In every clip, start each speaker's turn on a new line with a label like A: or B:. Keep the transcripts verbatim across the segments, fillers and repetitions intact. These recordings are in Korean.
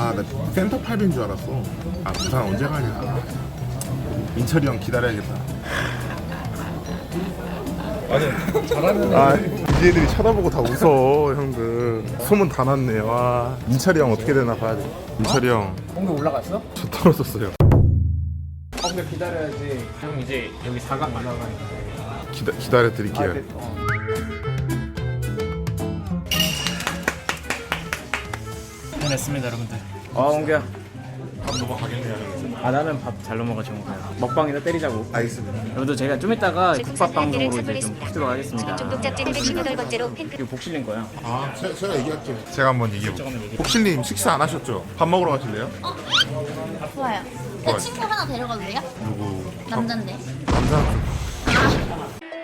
A: 아, 나 센터팝인 줄 알았어. 아, 부산 언제 가냐. 민철이 형 기다려야겠다.
B: 아니 잘하면
A: 아, 디제이들이 쳐다보고 다 웃어, 형들. 소문 다 났네. 와, 민철이 형 어떻게 되나 봐야 돼. 민철이 형,
B: 공도 올라갔어?
A: 저 떨어졌어요.
B: 어 근데 기다려야지. 형 이제 여기 사각 올라가니까.
A: 기다, 기다려 드릴게요.
B: 해냈습니다 여러분들. 아 옹규야.
A: 밥 넘어가겠네요.
B: 아 나는 밥 잘 넘어가죠 옹규야. 먹방이나 때리자고.
A: 알겠습니다.
B: 여러분들 제가 좀 이따가 국밥 방송으로 이제 좀 하도록 하겠습니다.
C: 중독잡지는 백십여덟 번째로 팬클
B: 이거 복실린 거야.
A: 아, 제가, 제가 얘기할게요. 제가 한번 얘기해볼게요.
B: 잠깐만 얘기해.
A: 복실님 식사 안 하셨죠? 밥 먹으러 가실래요?
C: 좋아요. 내 친구 하나 데려가도 돼요?
A: 누구?
C: 남잔데.
A: 남자.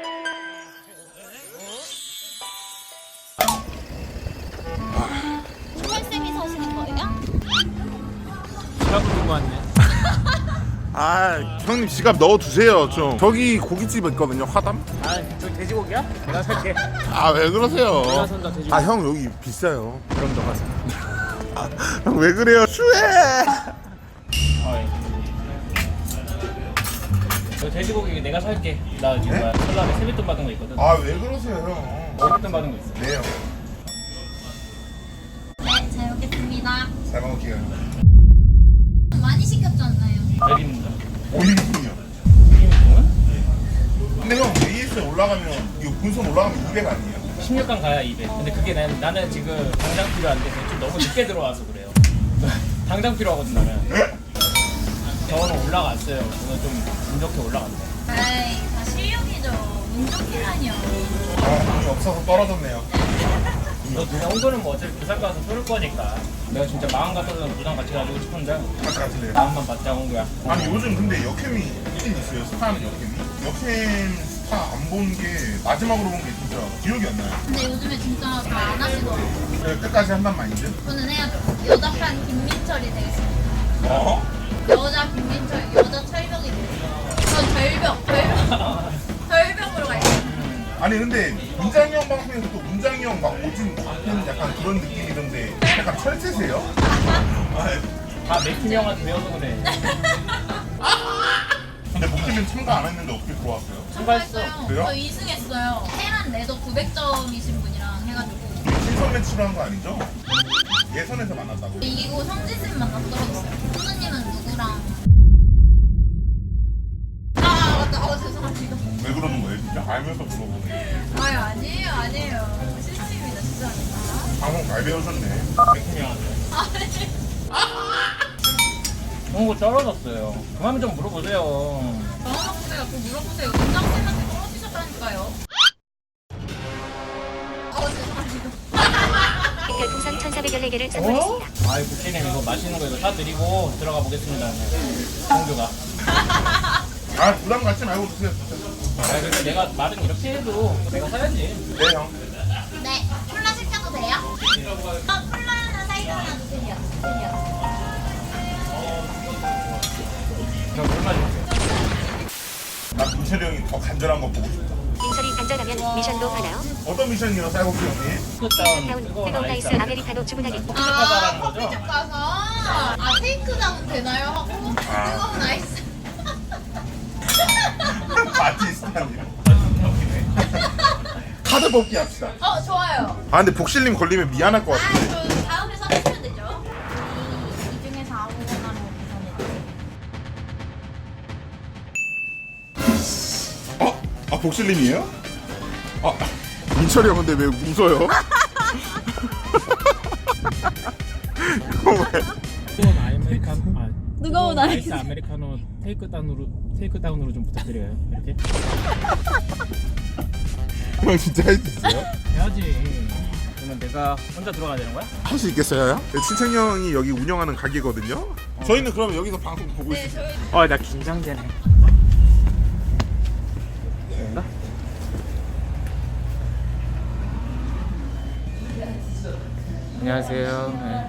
C: 쌤이 사시는 거예요?
B: 지갑을 들고 왔네.
A: 아, 형님 지갑 넣어두세요 좀. 저기 고깃집 있거든요, 화담.
B: 아 저기 돼지고기야? 내가 살게.
A: 아, 왜 그러세요?
B: 내가 산다 돼지고기.
A: 아, 형 여기 비싸요.
B: 그럼 너가 사.
A: 형 왜 그래요? 추해.
B: 어이. 저 돼지고기 내가 살게. 나 지금 뭐야 설날에 세뱃돈 받은 거 있거든.
A: 아, 왜 그러세요, 형?
B: 세뱃돈 받은 거 있어.
A: 네, 형.
C: 네, 잘 먹겠습니다.
A: 잘 먹을게요.
C: 많이 시켰잖아요.
B: 몇 인분이야?
A: 오 인분이요.
B: 이 인분은?
A: 근데 형 에이에스에 올라가면 이거 분선 올라가면 이백 아니에요?
B: 십육 강 가야 이백. 근데 그게 난, 나는 지금 당장 필요한데 좀 너무 늦게 들어와서 그래요. 당장 필요하거든 나는. 저는 올라갔어요. 저는 좀 운 좋게 올라갔네.
C: 에이, 다 실력이죠. 운 좋기라니요.
A: 아, 돈이 없어서 떨어졌네요.
B: 너 그냥 홍보는 뭐 어차피 부산 가서 쏠 거니까. 내가 진짜 마음 같아서는 부산 같이 가지고 싶은데
A: 같이 가실래요?
B: 마음만 받자 홍보야.
A: 아니, 요즘 근데 역캠이 있긴 있어요. 스타는 역캠이. 역캠 스타 안 본 게 마지막으로 본 게 진짜 기억이 안 나요.
C: 근데 요즘에 진짜 잘 안 하시더라고요.
A: 네, 끝까지 한단 말이죠.
C: 저는 해야죠. 여자판 김민철이 되겠습니다.
A: 어?
C: 여자 김민철, 여자 철벽이 되겠습니다. 전 절벽, 절벽. 절벽으로 갈게요.
A: 아니 근데 문장이 형 방송에서 또 문장이 형 막 오진 않는 약간 그런 느낌이던데 약간 철새세요?
B: 다 맥힘 형한테 배워서 그래.
A: 근데 복팀은 참가 안 했는데 어떻게 들어왔어요?
B: 참가했어.
A: 그래요?
C: 저 이 승했어요. 테란 레더 구백 점이신 분이랑 해가지고
A: 신선 매치로 한 거 아니죠? 예선에서 만났다고.
C: 이기고 성지쌤 만나서 떨어졌어요. 선우님은 누구랑? 아 맞다. 어 죄송합니다.
A: 왜 그러는 거예요? 진짜 알면서 물어보네.
C: 아유 아니에요 아니에요. 실수입니다 죄송합니다.
A: 방송 잘 배우셨네.
B: 맥힘 형한테.
C: 아니
B: 홍보 떨어졌어요. 그만 좀 물어보세요.
C: 물어보세요. 그거 물어보세요. 문장쌤한테 떨어지셨다니까요. 어 죄송합니다. 별풍선 천사백십사 개를 선물했습니다.
B: 아이 국회님 이거 맛있는 거 이거 사드리고 들어가 보겠습니다. 홍규가.
A: 아 부담 갖지 말고 드세요 진짜.
B: 아 근데 내가 말은 이렇게 해도 내가 사야지.
A: 네 형.
C: 네 콜라 시켜도 돼요? 어 콜라 하나 사이드 하나 주세요. 주세요.
B: 그럼 얼마 주세요?
A: 나 민철이 형이 더 간절한 거 보고 싶다.
C: 민철이 간절하면 미션도 하나요?
A: 어떤 미션이요, 쌀국수 형님?
B: 뜨거운
C: 다운
B: 뜨거운
C: 뜨거운 아이스
B: 아이스.
C: 아메리카노 주문하기.
B: 가자라는 거죠?
C: 커피숍 가서 아 테이크 다운 되나요? 하고 뜨거운 아이스.
A: 바티스타님. 카드 뽑기 합시다.
C: 어 좋아요.
A: 아 근데 복실님 걸리면 미안할 것
C: 아,
A: 같은데.
C: 저 다음에 써주시면 되죠. 이, 이 중에서 아무거나 보내드릴게요.
A: 어? 아 복실님이에요? 아 민철이 형 근데 왜 웃어요? 이거 왜?
B: 뜨거운 아메리카노. 아,
C: 뜨거운
B: 아이스 아메리카노 테이크 다운으로 테이크 다운으로 좀 부탁드려요. 이렇게
A: 형 진짜 할 수 있어요?
B: 해야지. 그러면 내가 혼자 들어가야 되는 거야?
A: 할 수 있겠어요? 네, 친척 형이 여기 운영하는 가게거든요. 저희는 그러면 여기서 방송 보고
C: 네,
A: 있습니다.
C: 저희
B: 어, 나 긴장되네. 된다? 안녕하세요. 네.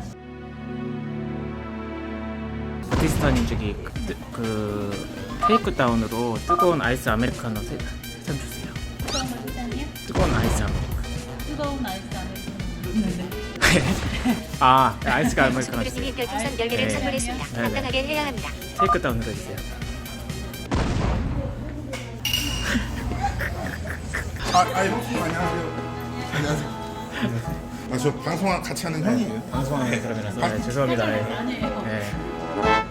B: 바티스타님 저기 그, 뜨- 그 테이크 다운으로 뜨거운 아이스 아메리카노 세 잔 주세요.
C: 뜨거운 거 주세요.
B: 뜨거운 아이스 아메리카노.
C: 뜨거운 아이스 아메리카노.
B: 아 아이스가 아메리카노
D: 친구들이 별풍선 열 개를
B: 네.
D: 선물했습니다.
B: 네, 네.
D: 건강하게 해야 합니다.
B: 테이크 다운 눌러주세요.
A: 아, 아 형님 안녕하세요. 안녕하세요. 아, 저 방송 같이 하는 형이에요.
B: 방송하는 사람이라서 네, 죄송합니다. 네. 네.